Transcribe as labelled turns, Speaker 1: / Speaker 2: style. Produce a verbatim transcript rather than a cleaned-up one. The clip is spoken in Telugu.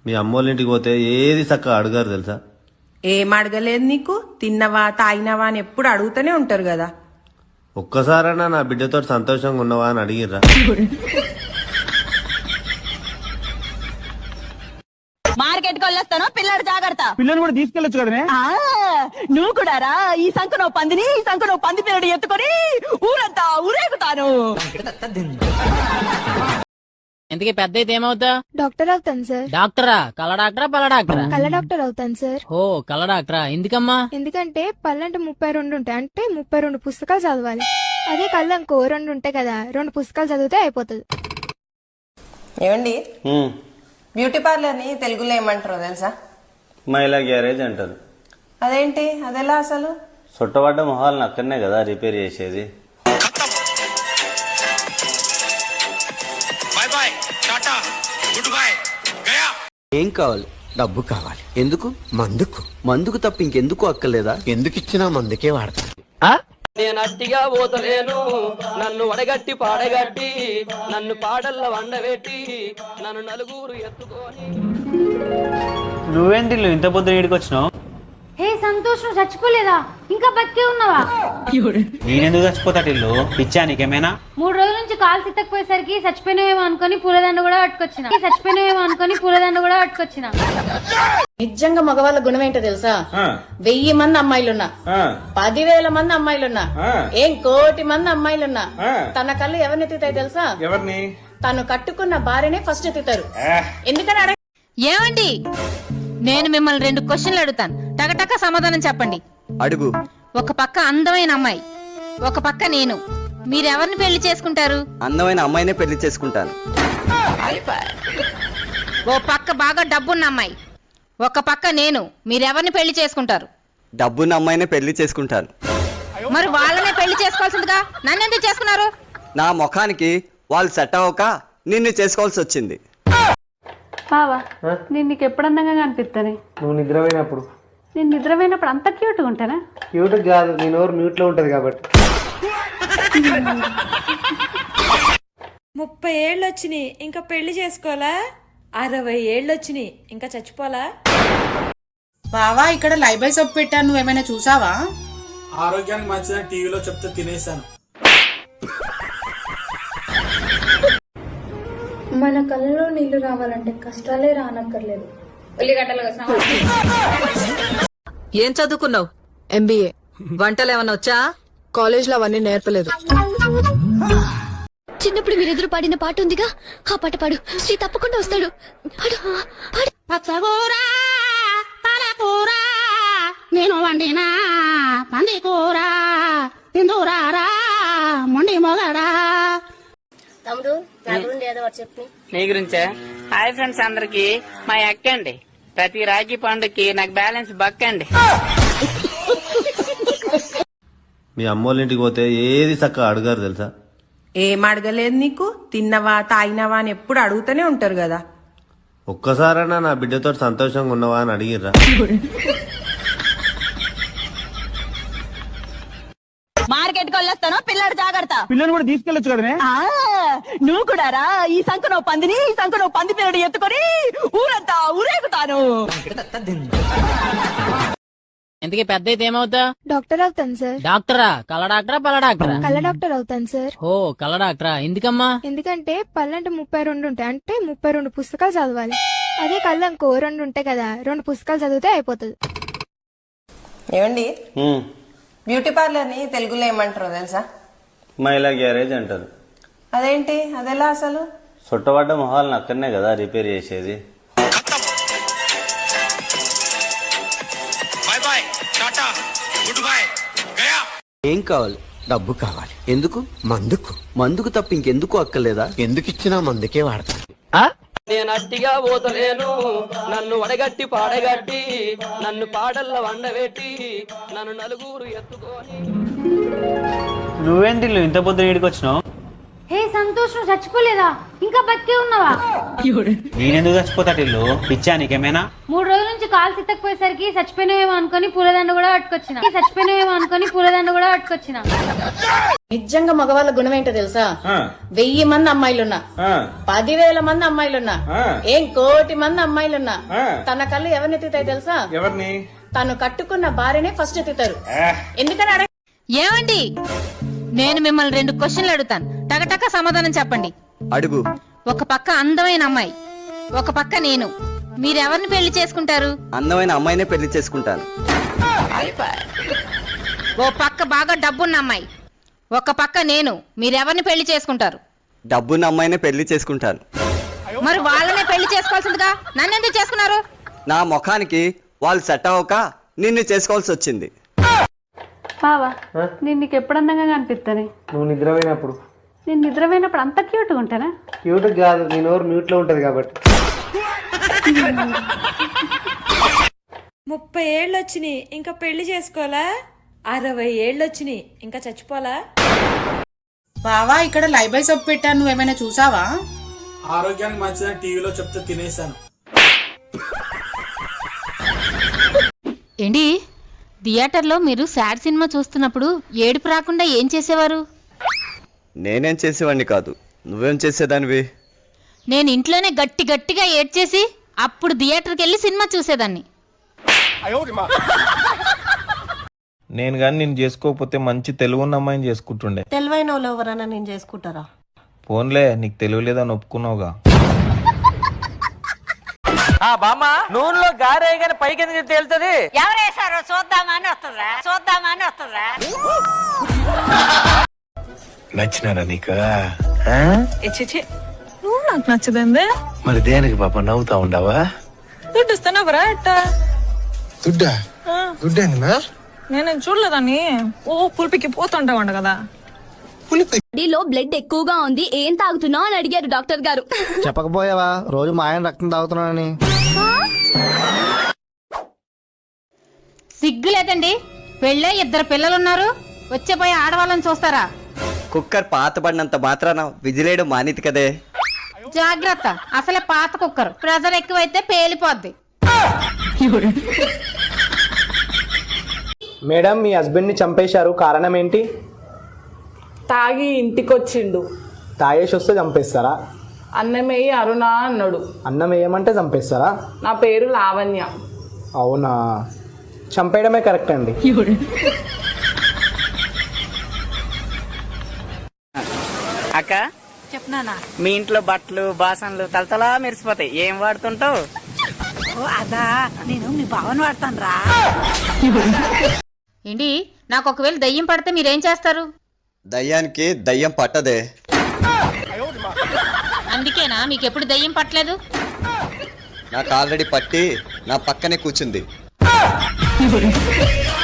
Speaker 1: మీ అమ్మోళ్ళ ఇంటికి పోతే ఏది చక్కగా అడగారు తెలుసా?
Speaker 2: ఏం అడగలేదు నీకు? తిన్నవా తాగినవా అని ఎప్పుడు అడుగుతూనే ఉంటారు కదా.
Speaker 1: ఒక్కసారైనా నా బిడ్డతో సంతోషంగా ఉన్నవా అని అడిగిర్రా?
Speaker 3: మార్కెట్ కి వెళ్ళొస్తాను, పిల్లడు జాగ్రత్త.
Speaker 4: పిల్లలు కూడా తీసుకెళ్ళొచ్చు కదనే.
Speaker 3: నువ్వు కూడా రా. ఈ సంఖ నువ్వు పందిని, ఈ సంఖ నువ్వు పంది పిల్లడు ఎత్తుకొని ఊరంతా ఊరేగుతాను.
Speaker 5: ఇంతకీ పెద్ద అయితే ఏమవుతా?
Speaker 6: డాక్టర్ అవుతాను సార్.
Speaker 5: డాక్టరా? కళ్ళ డాక్టరా పళ్ళ డాక్టరా?
Speaker 6: కళ్ళ డాక్టర్ అవుతాను సార్.
Speaker 5: ఓ కళ్ళ డాక్టరా? ఎందుకమ్మా?
Speaker 6: ఎందుకంటే పళ్ళంటే ముప్పై రెండు ఉంటాయి, అంటే ముప్పై రెండు పుస్తకాలు చదవాలి. అదే కళ్ళు ఇంకో రెండు ఉంటాయి కదా, రెండు పుస్తకాలు చదివితే అయిపోతుంది.
Speaker 2: ఏమండి, బ్యూటీ పార్లర్ ని తెలుగులో ఏమంటారో తెలుసా?
Speaker 1: మహిళా గ్యారేజ్ అంటారు.
Speaker 2: అదేంటి, అదెలా అసలు?
Speaker 1: చుట్టబడ్డ మొహాలను అక్కడనే కదా రిపేర్ చేసేది.
Speaker 7: ఏం కావాలి? డబ్బు కావాలి. ఎందుకు? మందుకు. మందుకు తప్ప ఇంకెందుకు అక్కర్లేదా? ఎందుకు ఇచ్చినా మందుకే వాడతా.
Speaker 8: నేను అట్టిగా పోతలేను, నన్ను వడగట్టి పాడగట్టి, నన్ను పాడల్ల వండబెట్టి, నన్ను నలుగురు ఎత్తుకొని.
Speaker 4: నువ్వేంటి ఇంత పొద్దున ఈడికి వచ్చినావు?
Speaker 9: హే సంతోష్, నువ్వు చచ్చిపోలేదా? ఇంకా బతికే ఉన్నావా?
Speaker 4: నేనెందుకు చచ్చిపోతాడు ఇల్లు? పిచ్చా నీకేమైనా?
Speaker 9: మూడు రోజుల నుంచి కాలు సిత్తకపోయేసరికి చచ్చిపోయినవేమో అనుకుని పూలదండ కూడా పట్టుకొచ్చిన చచ్చిపోయినవేమో అనుకుని పూలదండ కూడా పట్టుకొచ్చిన
Speaker 10: నిజంగా మగవాళ్ళ గుణం ఏంటో తెలుసా? వెయ్యి మంది అమ్మాయిలున్నా, పదివేల మంది అమ్మాయిలున్నా, ఏం కోటి మంది అమ్మాయిలున్నా, తన కళ్ళు ఎవరిని ఎత్తుతాయి తెలుసా?
Speaker 4: ఎవరిని?
Speaker 10: తను కట్టుకున్న భార్యనే ఫస్ట్ ఎత్తుతారు. ఎందుకని అడగ
Speaker 3: ఏమండి, నేను మిమ్మల్ని రెండు క్వశ్చన్లు అడుగుతాను, టకటక సమాధానం చెప్పండి.
Speaker 7: అడుగు.
Speaker 3: ఒక పక్క అందమైన అమ్మాయి, ఒక పక్క నేను, మీరెవరిని పెళ్లి చేసుకుంటారు?
Speaker 7: అందమైన అమ్మాయినే పెళ్లి చేసుకుంటాను.
Speaker 3: ఓ పక్క బాగా డబ్బున్న అమ్మాయి, ఒక పక్క నేను, మీరెవరిని పెళ్లి చేసుకుంటారు?
Speaker 7: డబ్బున్న అమ్మాయినే పెళ్లి చేసుకుంటాను.
Speaker 3: మరి వాళ్ళనే పెళ్లి చేసుకోవాల్సిందిగా నన్ను ఎందుకు చేసుకున్నారు?
Speaker 7: నా ముఖానికి వాళ్ళు సెట్ అవ్వక నిన్ను చేసుకోవాల్సి వచ్చింది.
Speaker 9: బావా, నేను నీకు ఎప్పుడు అందంగా కనిపిస్తానే?
Speaker 4: నువ్వు నిద్రపోయినప్పుడు.
Speaker 9: నేను నిద్రపోయినప్పుడు అంత క్యూట్గా ఉంటానా?
Speaker 4: క్యూట్ కాదు, నీ నోరు మ్యూట్ లో ఉంటది కాబట్టి.
Speaker 11: ముప్పై ఏళ్ళు వచ్చినాయి, ఇంకా పెళ్లి చేసుకోవాలా? అరవై ఏళ్ళు వచ్చినాయి, ఇంకా చచ్చిపోలా?
Speaker 10: బావా, ఇక్కడ లైబై సబ్బు పెట్టాను, నువ్వేమైనా చూసావా?
Speaker 4: ఆరోగ్యానికి మంచిదని టీవీలో చెప్తే తినేసాను.
Speaker 6: మన కళ్ళలో నీళ్లు రావాలంటే కష్టాలే రానక్కర్లేదు.
Speaker 3: ఏం చదువుకున్నావు? ఎంబీఏ. వంటలు ఏమన్నా వచ్చా?
Speaker 10: కాలేజ్ లో అవన్నీ నేర్పలేదు.
Speaker 6: చిన్నప్పుడు మీరెదురు పాడిన పాట ఉందిగా, ఆ పాట పాడు. శ్రీ తప్పకుండా వస్తాడు. పాడు, పాడు.
Speaker 9: పచ్చకూర పాలకూర నేను వండిన పంది కూర తిందురారా మొండి మొగడా. తమ్ముడు, నా గురించి ఏదో చెప్పు.
Speaker 8: నీ గురించే? హాయ్ ఫ్రెండ్స్ అందరికి, మా అక్కండి. ప్రతి రాఖీ పండుగకి నాకు బ్యాలెన్స్ బక్కండి.
Speaker 1: మీ అమ్మోళ్ళ ఇంటికి పోతే ఏది చక్కగా అడగారు తెలుసా?
Speaker 2: ఏం అడగలేదు నీకు? తిన్నవా తాగినవా అని ఎప్పుడు అడుగుతూనే ఉంటారు కదా.
Speaker 1: ఒక్కసారైనా నా బిడ్డతో సంతోషంగా ఉన్నవా అని అడిగిర్రా?
Speaker 3: మార్కెట్ కి వెళ్ళొస్తాను, పిల్లడు జాగ్రత్త.
Speaker 4: పిల్లలు కూడా తీసుకెళ్ళొచ్చు కదనే.
Speaker 3: నువ్వు కూడా రా. ఈ సంఖ నువ్వు పందిని, ఈ సంఖ నువ్వు పంది పిల్లడు ఎత్తుకొని ఊరంతా ఊరేగుతాను.
Speaker 5: ఇంతకీ పెద్ద అయితే ఏమవుతా?
Speaker 6: డాక్టర్ అవుతాను సార్.
Speaker 5: డాక్టరా? కళ్ళ డాక్టరా పళ్ళ డాక్టరా?
Speaker 6: కళ్ళ డాక్టర్ అవుతాను సార్.
Speaker 5: ఓ కళ్ళ డాక్టరా? ఎందుకమ్మా?
Speaker 6: ఎందుకంటే పళ్ళంటే ముప్పై రెండు ఉంటాయి, అంటే ముప్పై రెండు పుస్తకాలు చదవాలి. అదే కళ్ళు ఇంకో రెండు ఉంటాయి కదా, రెండు పుస్తకాలు చదివితే అయిపోతుంది.
Speaker 2: ఏమండి, బ్యూటీ పార్లర్ ని తెలుగులో ఏమంటారో తెలుసా?
Speaker 1: మహిళా గ్యారేజ్ అంటారు.
Speaker 2: అదేంటి, అదెలా అసలు?
Speaker 1: చుట్టబడ్డ మొహాలను అక్కడనే కదా రిపేర్ చేసేది.
Speaker 7: ఏం కావాలి? డబ్బు కావాలి. ఎందుకు? మందుకు. మందుకు తప్ప ఇంకెందుకు అక్కర్లేదా? ఎందుకు ఇచ్చినా మందుకే వాడతా.
Speaker 8: నేను అట్టిగా పోతలేను, నన్ను వడగట్టి పాడగట్టి, నన్ను పాడల్ల వండబెట్టి, నన్ను నలుగురు ఎత్తుకొని.
Speaker 4: నువ్వేంటి ఇంత పొద్దున ఈడికి వచ్చినావు?
Speaker 9: హే సంతోష్, నువ్వు చచ్చిపోలేదా? ఇంకా బతికే ఉన్నావా?
Speaker 4: నేనెందుకు చచ్చిపోతాడు ఇల్లు? పిచ్చా నీకేమైనా?
Speaker 9: మూడు రోజుల నుంచి కాలు సిత్తకపోయేసరికి చచ్చిపోయినవేమో అనుకుని పూలదండ కూడా పట్టుకొచ్చిన చచ్చిపోయినవేమో అనుకుని పూలదండ కూడా పట్టుకొచ్చిన
Speaker 10: నిజంగా మగవాళ్ళ గుణం ఏంటో తెలుసా? వెయ్యి మంది అమ్మాయిలున్నా, పదివేల మంది అమ్మాయిలున్నా, ఏం కోటి మంది అమ్మాయిలున్నా తన కళ్ళు ఎవరిని ఎత్తుతాయి తెలుసా?
Speaker 12: ఎవరిని?
Speaker 10: తను కట్టుకున్న భార్యనే ఫస్ట్ ఎత్తుతారు. ఎందుకని అడగ
Speaker 3: ఏమండి, నేను మిమ్మల్ని రెండు క్వశ్చన్లు అడుగుతాను, టకటక సమాధానం చెప్పండి.
Speaker 7: అడుగు.
Speaker 3: ఒక పక్క అందమైన అమ్మాయి, ఒక పక్క నేను, మీరెవరిని పెళ్లి చేసుకుంటారు?
Speaker 7: అందమైన అమ్మాయినే పెళ్లి చేసుకుంటాను.
Speaker 3: ఓ పక్క బాగా డబ్బున్న అమ్మాయి, ఒక పక్క నేను, మీరెవరిని పెళ్లి చేసుకుంటారు?
Speaker 7: డబ్బున్న అమ్మాయినే పెళ్లి చేసుకుంటాను.
Speaker 3: మరి వాళ్ళనే పెళ్లి చేసుకోవాల్సిందిగా నన్ను ఎందుకు చేసుకున్నారు?
Speaker 7: నా ముఖానికి వాళ్ళు సెట్ అవ్వక నిన్ను చేసుకోవాల్సి వచ్చింది.
Speaker 9: బావా నేను నీకు ఎప్పుడు అందంగా కనిపిస్తానే?
Speaker 12: నువ్వు నిద్రపోయినప్పుడు.
Speaker 9: నేను నిద్రపోయినప్పుడు అంత క్యూట్గా ఉంటానా?
Speaker 12: క్యూట్ కాదు, నీ నోరు మ్యూట్ లో ఉంటది కాబట్టి.
Speaker 11: ముప్పై ఏళ్ళు వచ్చినాయి ఇంకా పెళ్లి చేసుకోవాలా? అరవై ఏళ్ళు వచ్చినాయి ఇంకా చచ్చిపోలా?
Speaker 10: బావా ఇక్కడ లైబై సబ్బు పెట్టాను, నువ్వేమైనా చూసావా?
Speaker 12: ఆరోగ్యానికి మంచిదని టీవీలో చెప్తే తినేసాను.
Speaker 3: ఏంటి, థియేటర్లో మీరు సాడ్ సినిమా చూస్తున్నప్పుడు ఏడుపు రాకుండా ఏం చేసేవారు?
Speaker 7: నేనేం చేసేవాడిని కాదు, నువ్వేం చేసేదానివి?
Speaker 3: నేను ఇంట్లోనే గట్టి గట్టిగా ఏడ్చేసి అప్పుడు థియేటర్కి వెళ్ళి సినిమా చూసేదాన్ని.
Speaker 12: నేను కానీ నేను చేసుకోకపోతే మంచి తెలుగున్న అమ్మాయిని చేసుకుంటుండే.
Speaker 2: తెలివైన వాళ్ళు ఎవరైనా నేను చేసుకుంటారా?
Speaker 12: ఫోన్లే, నీకు తెలివి లేదని ఒప్పుకున్నావుగా.
Speaker 8: బామ్మ నూనెలో గారే గాని పైకి ఎందుకు తేలుతుంది?
Speaker 3: ఎవరేసారో చూద్దామని వస్తుందా చూద్దామని వస్తుందా
Speaker 1: నచ్చినారా నీకు?
Speaker 11: నువ్వు నాకు నచ్చదండి.
Speaker 1: మరి దేనికి పాప నవ్వుతా ఉండవా?
Speaker 11: దుడ్డు ఇస్తానవరా అట్ట?
Speaker 1: దుడ్డా? దుడ్డేందినా?
Speaker 11: నేనేం చూడలేదని. ఓ పులిపికి పోతుంటావంట కదా.
Speaker 3: బాడీలో బ్లడ్ ఎక్కువగా ఉంది, ఏం తాగుతున్నావు అని అడిగారు డాక్టర్ గారు.
Speaker 1: చెప్పకపోయావా రోజు మా ఆయన రక్తం తాగుతున్నానని?
Speaker 3: సిగ్గు లేదండి, పెళ్ళే ఇద్దరు పిల్లలున్నారు, వచ్చే పోయి ఆడవాళ్ళని చూస్తారా?
Speaker 7: కుక్కర్ పాత పడినంత మాత్రాన విజిలేయడం మానేది కదే.
Speaker 3: జాగ్రత్త, అసలే పాత కుక్కర్, ప్రెజర్ ఎక్కువైతే పేలిపోద్ది.
Speaker 12: మేడం, మీ హస్బెండ్ ని చంపేశారు, కారణం ఏంటి?
Speaker 10: తాగి ఇంటికొచ్చిండు.
Speaker 12: తాగేసి వస్తే చంపేస్తారా?
Speaker 10: అన్నమేయి అరుణ అన్నాడు.
Speaker 12: అన్నం వేయమంటే చంపేస్తారా?
Speaker 10: నా పేరు లావణ్య.
Speaker 12: అవునా, చంపేయడమే కరెక్ట్ అండి.
Speaker 8: అక్క చెప్పనా, మీ ఇంట్లో బట్టలు బాసనలు తలతలా మెరిసిపోతాయి, ఏం వాడుతుంటావు?
Speaker 3: అదా, నేను మీ భావన వాడతాను రా. ఏంటి, నాకు ఒకవేళ దయ్యం పడితే మీరేం చేస్తారు?
Speaker 7: దయ్యానికి దయ్యం పట్టదే.
Speaker 3: అందుకేనా మీకు ఎప్పుడు దయ్యం పట్టలేదు?
Speaker 7: నాకు ఆల్రెడీ పట్టి నా పక్కనే కూర్చుంది.